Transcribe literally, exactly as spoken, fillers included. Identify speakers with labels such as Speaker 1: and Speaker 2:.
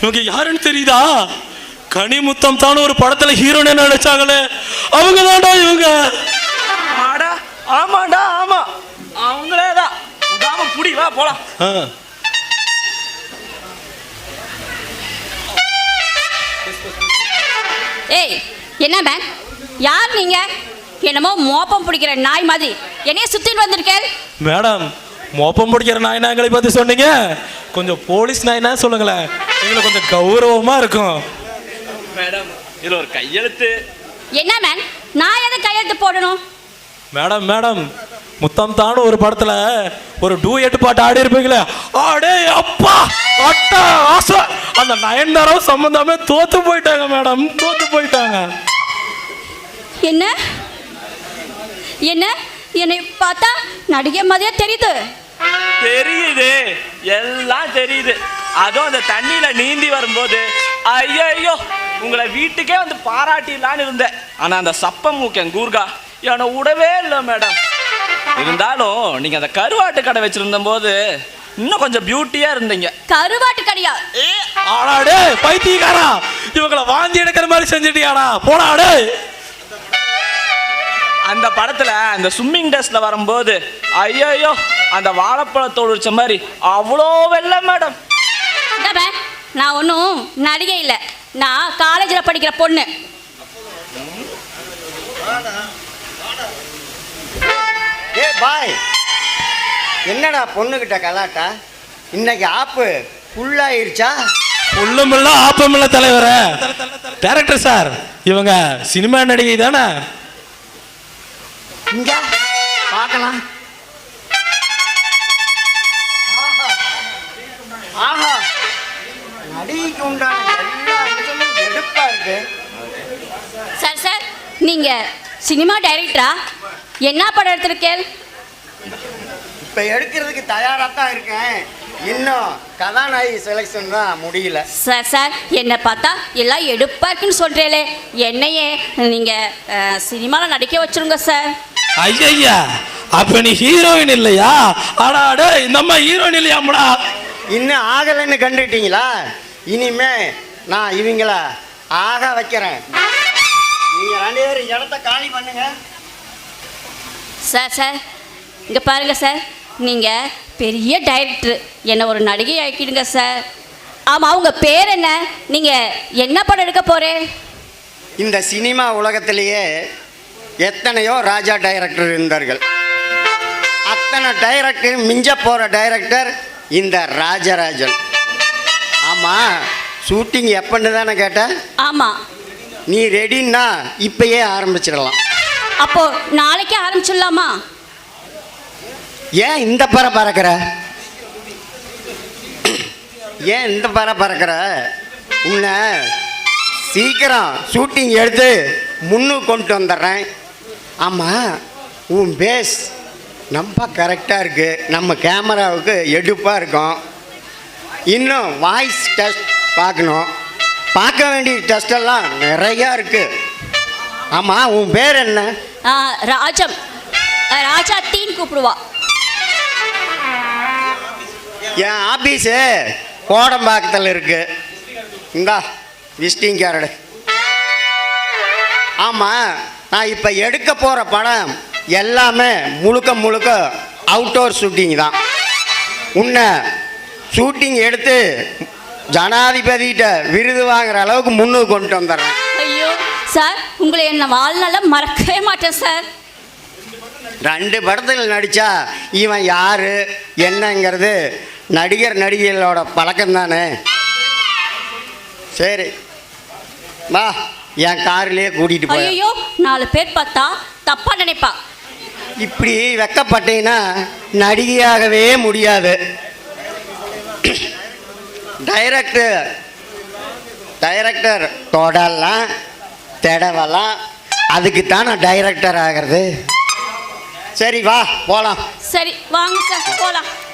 Speaker 1: இவங்க யாருன்னு தெரியுதா? கனிமுத்தம் தான் ஒரு படத்துல ஹீரோனே நடிச்சாங்களே, அவங்க தான்டா இவங்க.
Speaker 2: ஆடா ஆமாடா ஆமா, அவங்களே தான். உடாம புடி, வா போலாம்.
Speaker 3: ஏய் என்ன மேம், யார் நீங்க? என்னமோ மோப்பம் பிடிக்கிற நாய் மாதிரி என்னைய சுத்திட்டு வந்திருக்கேன்.
Speaker 1: மேடம், மோப்பம் பிடிக்கிற நாய் நாய்களை பத்தி சொன்னீங்க, கொஞ்சம் போலீஸ் நாய்னா சொல்லுங்களேன், எங்களுக்கு கொஞ்சம் கௌரவமா இருக்கும்.
Speaker 2: மேடம் இதுல ஒரு கையெழுத்து.
Speaker 3: என்ன மேம், நான் எதை கையெழுத்து போடணும்?
Speaker 1: மேடம் மேடம் முத்தம் தானு ஒரு படத்துல ஒரு டூயட் பாட்டு ஆடி இருப்பீங்களே, ஆடே அப்பா அட்டா ஆசை, அந்த நயன்தாராவும் சம்பந்தமே தோத்து போயிட்டாங்க மேடம், தோத்து போயிட்டாங்க.
Speaker 3: என்ன என்ன என்னை பார்த்தா நடிகை மாதிரியே தெரியுது.
Speaker 2: தெரியுது, எல்லாம் தெரியுது. அதுவும் அந்த தண்ணியில நீந்தி வரும்போது ஐயோ உங்களை வீட்டுக்கே வந்து பாராட்டிடலான்னு இருந்தேன். ஆனா அந்த சப்ப மூக்கன் கூர்கா என்னை விடவே இல்லை மேடம். இருந்தாலும் நீங்க அந்த கருவாட்டு கடை வச்சிருந்த போது இன்னும் கொஞ்சம் பியூட்டியா இருந்தீங்க.
Speaker 3: கருவாட்டு கடையா?
Speaker 1: ஆடாடே பைத்தியக்காரா, இவங்களை வாந்தி எடுக்கிற மாதிரி செஞ்சிட்டியாடா, போடாடே.
Speaker 2: அந்த படத்துல அந்த ஸ்விம்மிங் ட்ரெஸ்ல வரும்போது ஐயோ அந்த வாழைப்பழத்தோடு வச்ச மாதிரி அவ்வளோ வெள்ளை மேடம்.
Speaker 3: நான் ஒன்றும் நடிகை இல்லை, நான் காலேஜில் படிக்கிற பொண்ணு.
Speaker 4: ஏ பாய், என்னடா பொண்ணுகிட்ட கலாட்டா? இன்னைக்கு ஆப்பு ஃபுல்லாயிருச்சா?
Speaker 1: புல்லுமில்ல ஆப்பமில்ல தலைவரே. டைரக்டர் சார், இவங்க சினிமா நடிகை தானே?
Speaker 4: இங்க பார்க்கலாம். ஆஹா, நடிகைக்கு உண்டான எல்லா இடமும் எடுப்பா இருக்கு.
Speaker 3: சார் சார், நீங்க சினிமா டைரக்டரா? என்ன படம் எடுத்திருக்கேன்?
Speaker 4: இப்ப எடுக்கிறதுக்கு தயாரா தான் இருக்கேன், இன்னும் கதாநாயகி செலெக்ஷன் தான் முடியல.
Speaker 3: சார் சார், என்னை பார்த்தா எல்லாம் எடுப்பா இருக்குன்னு சொல்றீங்களே, என்னையே நீங்க சினிமாவில் நடிக்க வச்சிருங்க சார்.
Speaker 1: ஐயா, அப்ப நீ ஹீரோயின் இல்லையா? ஆடாடே, இந்த அம்மா ஹீரோயின் இல்லையாம்டா?
Speaker 4: இன்னும் ஆகலைன்னு கண்டுட்டீங்களா? இனிமே நான் இவங்கள ஆக வைக்கிறேன். நீங்க ரெண்டு பேரும் இடத்த காலி பண்ணுங்க.
Speaker 3: சார் சார், இங்கே பாருங்க சார், நீங்கள் பெரிய டைரக்டர், என்னை ஒரு நடிகை ஆக்கிடுங்க சார். ஆமாம், அவங்க பேர் என்ன? நீங்கள் என்ன படம் எடுக்க போகிறேன்?
Speaker 4: இந்த சினிமா உலகத்திலேயே எத்தனையோ ராஜா டைரக்டர் இருந்தார்கள். அத்தனை டைரக்டர் மிஞ்ச போகிற டைரக்டர் இந்த ராஜராஜன். ஆமாம், ஷூட்டிங் எப்பன்னு தானே கேட்டேன்?
Speaker 3: ஆமாம்.
Speaker 4: நீ ரெடின்னா இப்பயே ஆரம்பிச்சிடலாம்.
Speaker 3: அப்போ நாளைக்கே ஆரம்பிச்சிடலாமா?
Speaker 4: ஏன் இந்த பற பறக்கிற? ஏன் இந்த பற பறக்கிற? உன்னை சீக்கிரம் ஷூட்டிங் எடுத்து முன்னுக்கு கொண்டு வந்துடுறேன். ஆமாம், உன் பேஸ் ரொம்ப கரெக்டாக இருக்குது, நம்ம கேமராவுக்கு எடுப்பாக இருக்கும். இன்னும் வாய்ஸ் டெஸ்ட் பார்க்கணும், பார்க்க வேண்டிய டெஸ்டெல்லாம் நிறையா இருக்குது. ஆமாம், உன் பேர் என்ன?
Speaker 3: ராஜம், ராஜா தீன் கூப்பிடுவா.
Speaker 4: என் ஆஃபீஸு கோடம்பாக்கத்தில் இருக்குது. இந்தா விசிட்டிங் கார்டு. ஆமாம், நான் இப்போ எடுக்க போகிற படம் எல்லாமே முழுக்க முழுக்க அவுட்டோர் ஷூட்டிங் தான். உன்னை ஷூட்டிங் எடுத்து ஜனாதிபதிகிட்ட விருது வாங்குற அளவுக்கு முன்னுக்கு கொண்டு வந்துடுறேன்.
Speaker 3: ஐயோ சார், உங்களை என்ன வாழ்நாள மறக்கவே மாட்டேன் சார்.
Speaker 4: ரெண்டு படத்தில் நடித்தா இவன் யார் என்னங்கிறது நடிகர் நடிகைகளோட பழக்கம் தானே. சரி வா, என் காரிலேயே கூட்டிகிட்டு போய்.
Speaker 3: ஐயோ, நாலு பேர் பார்த்தா தப்பா நினைப்பா.
Speaker 4: இப்படி வெக்கப்பட்டீங்கன்னா நடிகையாகவே முடியாது. டைரக்டர் டைரக்டர் தொடலாம் தடவலாம், அதுக்கு தான் நான் டைரக்டர் ஆகிறது. சரி வா போகலாம்.
Speaker 3: சரி வாங்க சார் போகலாம்.